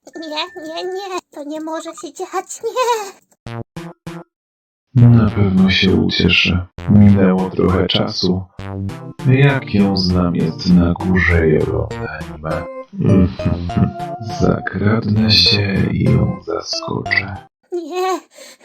Nie, to nie może się dziać, nie. Na pewno się ucieszy. Minęło trochę czasu. Jak ją znam, jest na górze Jeropenime. Zakradnę się i ją zaskoczę. Nie,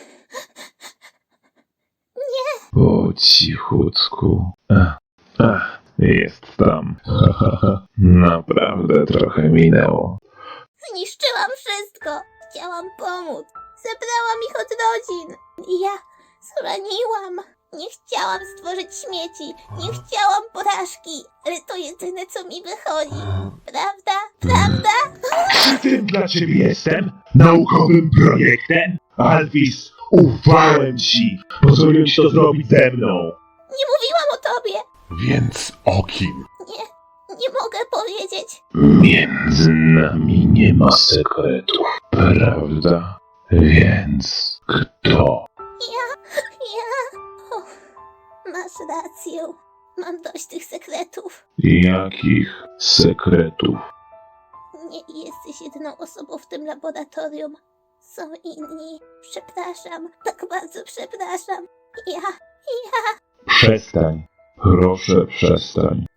Po cichutku. Jest tam. Naprawdę trochę minęło. zniszczyłam wszystko. Chciałam pomóc. Zebrałam ich od rodzin. I ja zraniłam. Nie chciałam stworzyć śmieci. Nie chciałam porażki. Ale to jedyne, co mi wychodzi. Prawda? Przy tym dla ciebie jestem naukowym projektem. Alvis, ufałem ci. Pozwoliłem ci to zrobić ze mną. Nie mówiłam o tobie. Więc o kim? Nie mogę powiedzieć. Między nami nie ma sekretów, prawda? Więc kto? Ja... O, masz rację. Mam dość tych sekretów. Jakich sekretów? Nie jesteś jedyną osobą w tym laboratorium. Są inni. Przepraszam. Tak bardzo przepraszam. Ja... Przestań. Proszę przestań.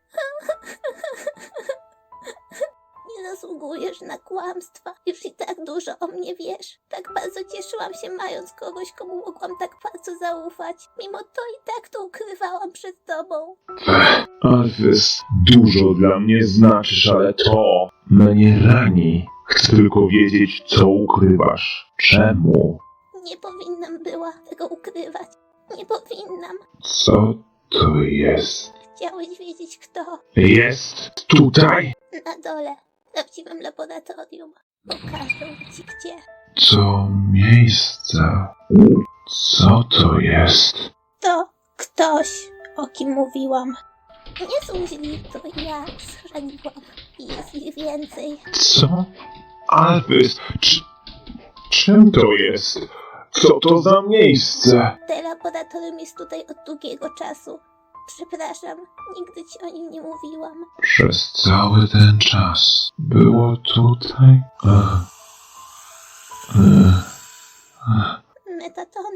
Nie zasługujesz na kłamstwa. Już i tak dużo o mnie wiesz. Tak bardzo cieszyłam się, mając kogoś, komu mogłam tak bardzo zaufać. Mimo to i tak to ukrywałam przed tobą. Alvis, dużo dla mnie znaczysz, ale to mnie rani. Chcę tylko wiedzieć, co ukrywasz. Czemu? Nie powinnam była tego ukrywać. Nie powinnam. Co to jest? Chciałeś wiedzieć kto? Jest tutaj? Na dole. W prawdziwym laboratorium. Pokażę ci gdzie. To miejsce. Co to jest? To ktoś, o kim mówiłam. Nie są źli, to ja schrzaniłam. I jest ich więcej. Co? Alvis, czym to jest? Co to za miejsce? Te laboratorium jest tutaj od długiego czasu. Przepraszam, nigdy ci o nim nie mówiłam. Przez cały ten czas było tutaj? Metaton?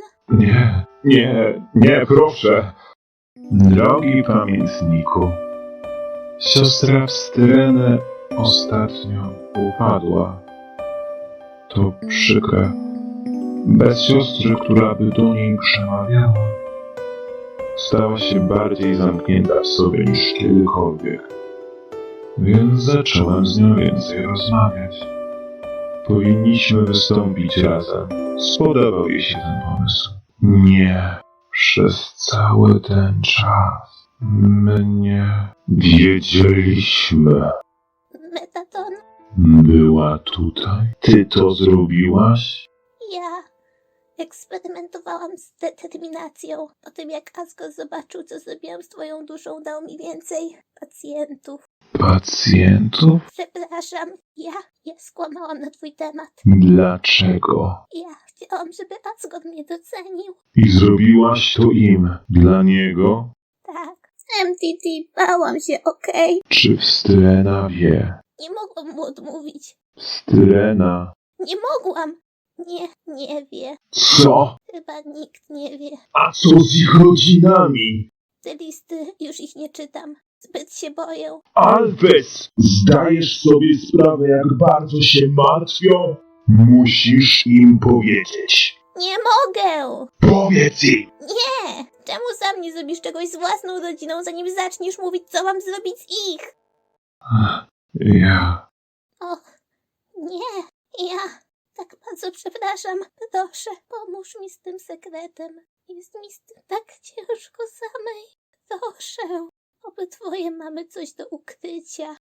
Nie, proszę. Drogi pamiętniku, siostra Wstyrenę ostatnio upadła. To przykre. Bez siostry, która by do niej przemawiała, stała się bardziej zamknięta w sobie niż kiedykolwiek. Więc zacząłem z nią więcej rozmawiać. Powinniśmy wystąpić razem. Spodobał jej się ten pomysł. Nie. Przez cały ten czas my nie wiedzieliśmy. Metaton? Była tutaj? Ty to zrobiłaś? Ja eksperymentowałam z determinacją. Po tym jak Asgore zobaczył, co zrobiłam z twoją duszą, dał mi więcej pacjentów. Pacjentów? Przepraszam, ja skłamałam na twój temat. Dlaczego? Ja chciałam, żeby Asgore mnie docenił. I zrobiłaś to im. Dla niego? Tak. MTT, bałam się, okej? Czy Wstrena wie? Nie mogłam mu odmówić. Wstrena. Nie mogłam. Nie wie. Co? Chyba nikt nie wie. A co z ich rodzinami? Te listy, już ich nie czytam. Zbyt się boję. Alvis! Zdajesz sobie sprawę, jak bardzo się martwią? Musisz im powiedzieć. Nie mogę! Powiedz im! Nie! Czemu sam nie zrobisz czegoś z własną rodziną, zanim zaczniesz mówić, co mam zrobić z ich? Ja... Och, nie. Ja tak bardzo przepraszam. Proszę, pomóż mi z tym sekretem. Jest mi z tym tak ciężko samej. Proszę. Obydwoje mamy coś do ukrycia.